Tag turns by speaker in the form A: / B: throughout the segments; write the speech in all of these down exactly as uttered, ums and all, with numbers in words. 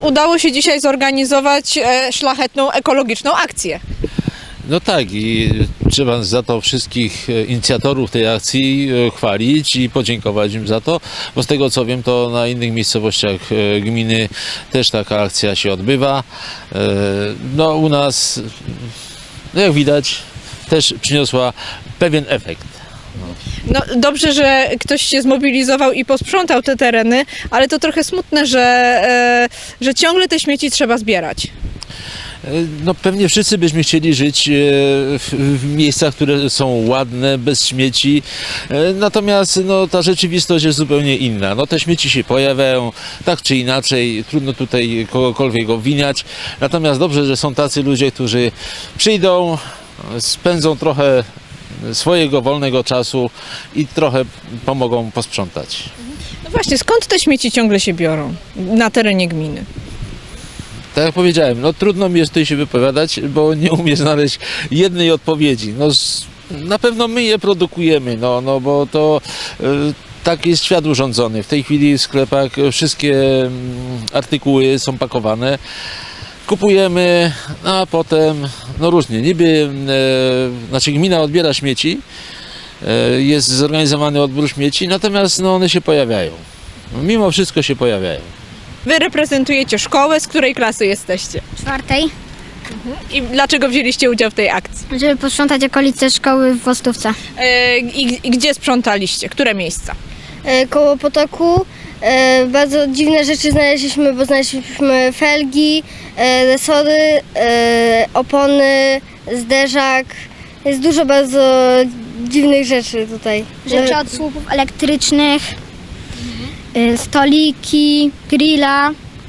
A: Udało się dzisiaj zorganizować e, szlachetną, ekologiczną akcję.
B: No tak, i trzeba za to wszystkich inicjatorów tej akcji chwalić i podziękować im za to, bo z tego co wiem, to na innych miejscowościach gminy też taka akcja się odbywa. No u nas, no jak widać, też przyniosła pewien efekt.
A: No, dobrze, że ktoś się zmobilizował i posprzątał te tereny, ale to trochę smutne, że, e, że ciągle te śmieci trzeba zbierać.
B: No pewnie wszyscy byśmy chcieli żyć w, w miejscach, które są ładne, bez śmieci, natomiast no, ta rzeczywistość jest zupełnie inna. No, te śmieci się pojawiają tak czy inaczej, trudno tutaj kogokolwiek obwiniać, natomiast dobrze, że są tacy ludzie, którzy przyjdą, spędzą trochę swojego wolnego czasu i trochę pomogą posprzątać.
A: No właśnie, skąd te śmieci ciągle się biorą na terenie gminy?
B: Tak jak powiedziałem, no trudno mi jest tutaj się wypowiadać, bo nie umiem znaleźć jednej odpowiedzi. No, na pewno my je produkujemy, no, no bo to y, tak jest świat urządzony. W tej chwili w sklepach wszystkie artykuły są pakowane. Kupujemy, a potem, no różnie, niby, e, znaczy gmina odbiera śmieci, e, jest zorganizowany odbór śmieci, natomiast no, one się pojawiają. Mimo wszystko się pojawiają.
A: Wy reprezentujecie szkołę, z której klasy jesteście?
C: Czwartej,
A: I dlaczego wzięliście udział w tej akcji?
C: żeby posprzątać okolice szkoły w Wostówce.
A: E, i, I gdzie sprzątaliście? Które miejsca?
D: E, koło potoku. E, bardzo dziwne rzeczy znaleźliśmy, bo znaleźliśmy felgi, e, resory, e, opony, zderzak. Jest dużo bardzo dziwnych rzeczy tutaj.
C: Rzeczy od słupów elektrycznych, y, stoliki, grilla.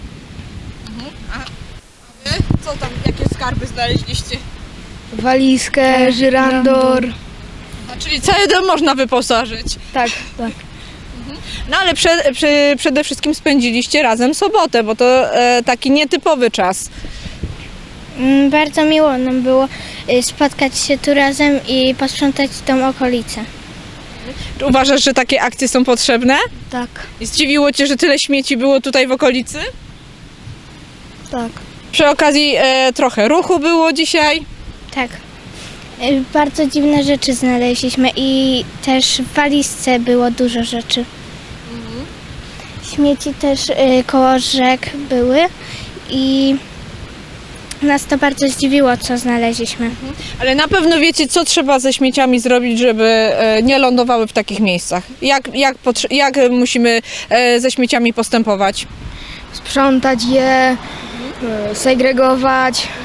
A: Co tam, jakie skarby znaleźliście?
D: Walizkę, żyrandor.
A: A, czyli cały dom można wyposażyć.
D: Tak, tak.
A: No ale prze, prze, przede wszystkim spędziliście razem sobotę, bo to e, taki nietypowy czas.
C: Mm, Bardzo miło nam było y, spotkać się tu razem i posprzątać tą okolicę.
A: Czy uważasz, że takie akcje są potrzebne?
C: Tak,
A: I zdziwiło Cię, że tyle śmieci było tutaj w okolicy?
C: tak.
A: Przy okazji e, trochę ruchu było dzisiaj.
C: Tak. Y, Bardzo dziwne rzeczy znaleźliśmy i też w walizce było dużo rzeczy. Śmieci też y, koło rzek były i nas to bardzo zdziwiło, co znaleźliśmy.
A: Ale na pewno wiecie, co trzeba ze śmieciami zrobić, żeby e, nie lądowały w takich miejscach. Jak, jak, potrze- jak musimy e, ze śmieciami postępować?
D: Sprzątać je, e, segregować.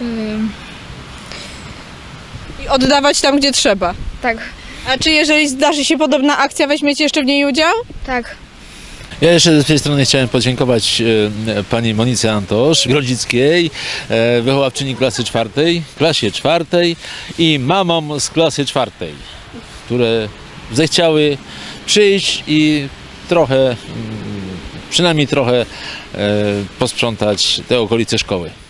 A: I oddawać tam, gdzie trzeba.
D: Tak,
A: A czy jeżeli zdarzy się podobna akcja, weźmiecie jeszcze w niej udział?
D: tak.
B: Ja jeszcze z tej strony chciałem podziękować e, pani Monice Antosz, Grodzickiej, e, wychowawczyni klasy czwartej, klasie czwartej i mamom z klasy czwartej, które zechciały przyjść i trochę, mm, przynajmniej trochę e, posprzątać te okolice szkoły.